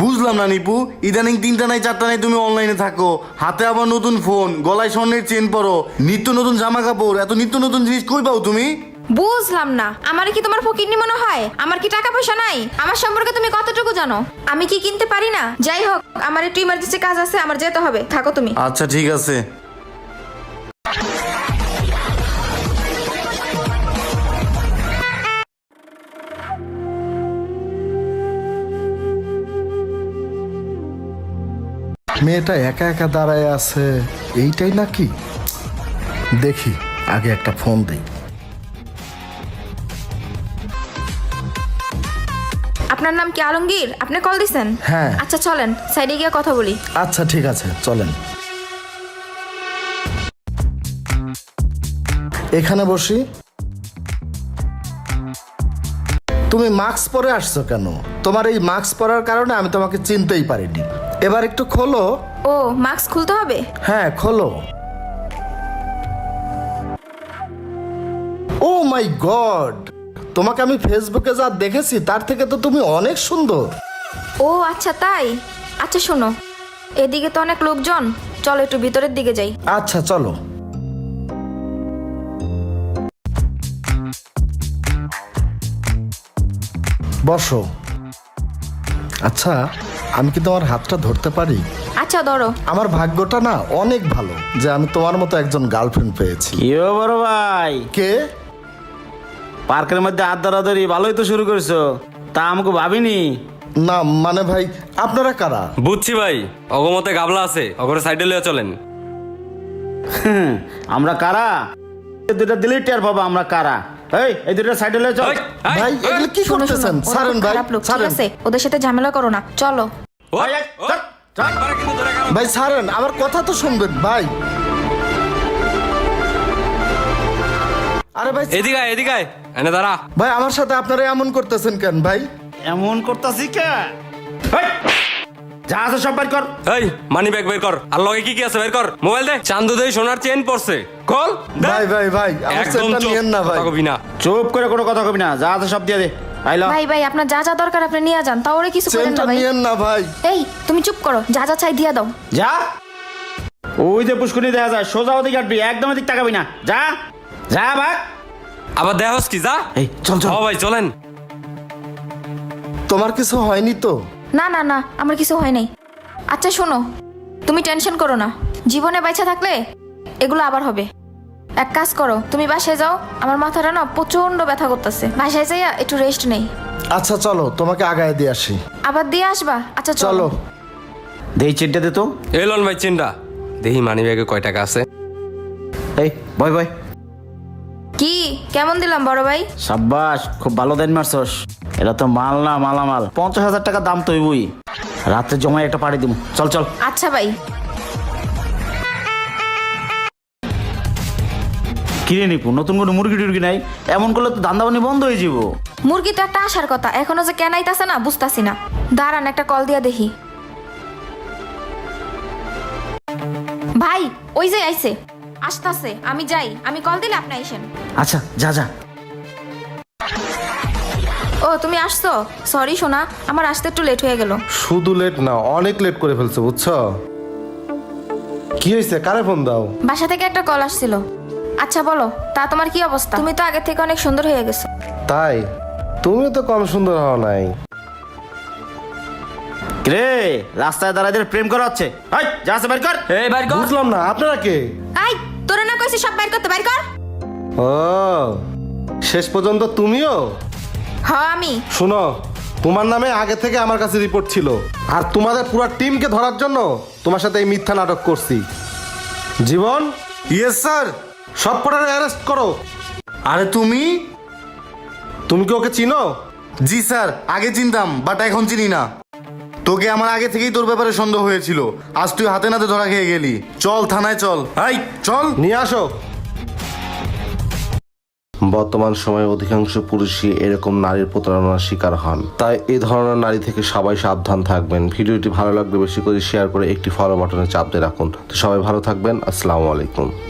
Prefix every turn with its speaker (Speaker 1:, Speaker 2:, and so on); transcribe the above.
Speaker 1: বুঝলাম না নিপু, ইদানিং 3টা নাই 4টা নাই তুমি অনলাইনে থাকো, হাতে আবার নতুন ফোন, গলায় স্বর্ণের চেন পরো, নিত্য নতুন জামা কাপড়, এত নিত্য নতুন জিনিস কই পাও তুমি?
Speaker 2: বুঝলাম না, আমার কি তোমার ফকিরনি মনে হয়? আমার কি টাকা পয়সা নাই? আমার সম্পর্কে তুমি কতটুকু জানো? আমি কি কিনতে পারি না? যাই হোক, আমার একটু ইমার্জেন্সি কাজ আছে, আমার যেতে হবে, থাকো তুমি।
Speaker 1: আচ্ছা ঠিক আছে।
Speaker 3: মেয়েটা একা একা দাঁড়ায় আছে, এইটাই নাকি? দেখি আগে একটা ফোন দিই।
Speaker 2: আপনার নাম কি আলমগীর? আপনি কল দিছেন?
Speaker 3: হ্যাঁ।
Speaker 2: আচ্ছা চলেন সাইডে গিয়ে কথা বলি।
Speaker 3: আচ্ছা ঠিক আছে, চলেন। এখানে বসি। তুমি মাস্ক পরে আসছো কেন? তোমার এই মাস্ক পরার কারণে আমি তোমাকে চিনতেই পারিনি। এবার একটু খোলো।
Speaker 2: ও, মাস্ক খুলতে হবে?
Speaker 3: হ্যাঁ খোলো। ও মাই গড, তোমাকে আমি ফেসবুকে যা দেখেছি তার থেকে তো তুমি অনেক সুন্দর।
Speaker 2: ও আচ্ছা তাই। আচ্ছা শোনো, এদিকে তো অনেক লোকজন, চলো একটু ভিতরের দিকে যাই।
Speaker 3: আচ্ছা চলো। বসো। আচ্ছা, আমি কি তোমার হাতটা ধরতে পারি?
Speaker 2: আচ্ছা ধরো।
Speaker 3: আমার ভাগ্যটা না অনেক ভালো যে আমি তোমার মতো একজন গার্লফ্রেন্ড পেয়েছি।
Speaker 4: কি বড় ভাই,
Speaker 3: কে?
Speaker 4: পার্কের মধ্যে হাত ধরাধরি ভালোই তো শুরু করছো, তা আমাকে ভাবিনি।
Speaker 3: না মানে ভাই, আপনারা কারা?
Speaker 5: বুঝছি ভাই, অগমতে গাবলা আছে, অগরে সাইডে লিয়ে চলেন।
Speaker 4: আমরা কারা? এই দুটা দিলেই টের পাবা আমরা কারা। এই দুটা সাইডে লয়ে চল।
Speaker 5: এই, এই,
Speaker 3: ভাই এগুলো কি
Speaker 2: শোনো শোনো,
Speaker 3: করতেছেন?
Speaker 2: ওরা
Speaker 3: ছাড়েন
Speaker 2: খুব
Speaker 3: ভাই,
Speaker 2: খারাপ লোক, ঠিক
Speaker 3: ছাড়েন।
Speaker 2: আছে? ওদের সাথে ঝামেলা করো না, চলো।
Speaker 5: ওই,
Speaker 4: এই,
Speaker 5: ওই,
Speaker 4: চল, চল।
Speaker 5: একবারে কিন্তু ধরে গেল।
Speaker 3: ভাই ছাড়েন, আমার কথা তো শুনবেন ভাই। আরে ভাই,
Speaker 5: এদিকে আয়, এদিকে আয়, এনে দাঁড়া।
Speaker 3: ভাই আমার সাথে আপনারা এমন করতেছেন কেন ভাই?
Speaker 4: এমন করতাছি কে? এই, যা আছে সব বের কর।
Speaker 5: এই মানি ব্যাগ বের কর, আর লগে কি কি আছে বের কর। মোবাইল দে, চান্দু দে, সোনার চেন পড়ছে, কল দে।
Speaker 3: ভাই ভাই ভাই, আমার
Speaker 5: একদম
Speaker 3: সেটটা
Speaker 5: চুপ,
Speaker 3: নিয়েন না ভাই।
Speaker 5: কথা কবি না।
Speaker 4: চুপ করে কোনো কথা কবি না, যা আছে সব দিয়ে দে। আইলো।
Speaker 2: ভাই ভাই, আপনার যা যা দরকার আপনি নিয়ে যান, তাও ওরে কিছু করেন
Speaker 3: চেনটা
Speaker 2: না ভাই।
Speaker 3: নিয়েন না ভাই।
Speaker 2: এই তুমি চুপ করো, যা যা চাই দিয়া দাও।
Speaker 4: যা। ওই যে পুষ্করণী দেখা যায়, সোজা ওদিকে কাটবি, একদম ওদিক তাকাবি না। যা যা ভাগ।
Speaker 5: আবার দেহস কি, যা।
Speaker 4: এই চল চল।
Speaker 5: ও ভাই চলেন।
Speaker 3: তোমার কিছু হয়নি তো?
Speaker 2: না না না, আমার কিছু হয় নাই। আচ্ছা শোনো, তুমি টেনশন করো না, জীবনে বাইচা থাকলে এগুলো আবার হবে। এক কাজ করো, তুমি বাসায় যাও, আমার মাথাটা না প্রচন্ড ব্যথা করতেছে, বাসায় যাইয়া একটু রেস্ট নেই।
Speaker 3: আচ্ছা চলো, তোমাকে আগায় দিয়ে আসি।
Speaker 2: আবার দিয়ে আসবা? আচ্ছা চলো।
Speaker 3: চলো।
Speaker 4: দেই চিনটা দে তো।
Speaker 5: এলন ভাই চেনটা দেখি, মানি ব্যাগে কয় টাকা আছে।
Speaker 4: এই বয় বয়।
Speaker 2: কি কেমন দিলাম বড় ভাই?
Speaker 4: সাব্বাস, খুব ভালো দেন মারছস। এটা তো মাল না, মালামাল। 50,000 টাকা দাম তো হইবই। রাতে জমায় একটা পাড়ি দিব। চল চল।
Speaker 2: আচ্ছা ভাই।
Speaker 4: কিনে নিপু, নতুন কোনো মুরগি টুরগি নাই? এমন করলে তো ধান্দাবানি বন্ধ হয়ে যাব।
Speaker 2: মুরগি তো একটা আসার কথা, এখনো যে কেন আইতাছে না বুঝতাছি না। দাঁড়ান একটা কল দিয়া দেখি। ভাই ওই যে আইছে, আসতাছে, আমি যাই, আমি কল দিলে আপনি আইসেন।
Speaker 4: আচ্ছা যা যা।
Speaker 2: ও তুমি আসছো? সরি সোনা, আমার আসতে একটু লেট হয়ে গেল।
Speaker 6: শুধু লেট না, অনেক লেট করে ফেলছো বুঝছো। কি হয়েছে, কারে ফোন দাও?
Speaker 2: বাসা থেকে একটা কল আসছিল। আচ্ছা বলো, তা তোমার কি অবস্থা? তুমি তো আগে থেকে অনেক সুন্দর হয়ে গেছো।
Speaker 6: তাই? তুমি তো কম সুন্দর হও নাই।
Speaker 4: রে রাস্তায় দাঁড়ায় প্রেম করা হচ্ছে। এই যা আছে বের কর।
Speaker 5: এই বাইর কর।
Speaker 6: বুঝলাম না, আপনারা কে?
Speaker 2: আই তোরে না কইছি সব বাইর করতে, বাইর কর।
Speaker 6: ও, শেষ পর্যন্ত তুমিও?
Speaker 2: হ্যাঁ আমি।
Speaker 6: শুনো, তোমার নামে আগে থেকে আমার কাছে রিপোর্ট ছিল, আর তোমাদের পুরো টিমকে ধরার জন্য তোমার সাথে এই মিথ্যা নাটক করছি। Jibon,
Speaker 1: yes sir.
Speaker 6: সব পড়ার অ্যারেস্ট করো।
Speaker 1: আরে তুমি?
Speaker 6: তুমি কি ওকে চিনো?
Speaker 1: জি স্যার, আগে চিনতাম বাট এখন চিনি না। তোকে আমার আগে থেকেই তোর ব্যাপারে সন্দেহ হয়েছিল, আজ তুই হাতে নাতে ধরা খেয়ে গেলি। চল থানায় চল। এই চল।
Speaker 6: নিয়ে আসো। বর্তমান সময়ে অধিকাংশ পুরুষই এরকম নারীর প্রতারণার শিকার হন, তাই এই ধরনের নারী থেকে সবাই সাবধান থাকবেন। ভিডিওটি ভালো লাগলে বেশি করে শেয়ার করে একটি ফলো বাটনে চাপ দিয়ে রাখুন। তো সবাই ভালো থাকবেন। আসসালামু আলাইকুম।